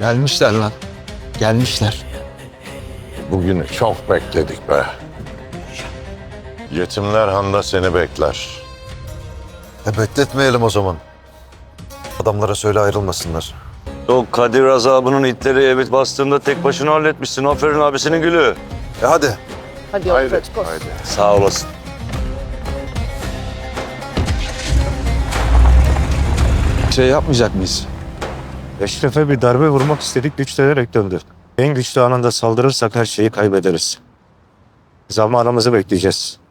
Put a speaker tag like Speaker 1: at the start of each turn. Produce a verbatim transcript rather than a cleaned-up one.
Speaker 1: Gelmişler lan. Gelmişler.
Speaker 2: Bugünü çok bekledik be. Yetimler Han'da seni bekler.
Speaker 3: E bekletmeyelim o zaman. Adamlara söyle ayrılmasınlar.
Speaker 4: O Kadir azabının itleri evet bastığında tek başına halletmişsin. Aferin abisinin gülü.
Speaker 3: E hadi.
Speaker 5: Hadi
Speaker 2: Haydi,
Speaker 5: yolculuk olsun.
Speaker 2: haydi.
Speaker 4: Sağ olasın.
Speaker 1: Şey yapmayacak mıyız?
Speaker 6: Eşref'e bir darbe vurmak istedik, güçlenerek döndü. En güçlü anında saldırırsak her şeyi kaybederiz. Zamanımızı bekleyeceğiz.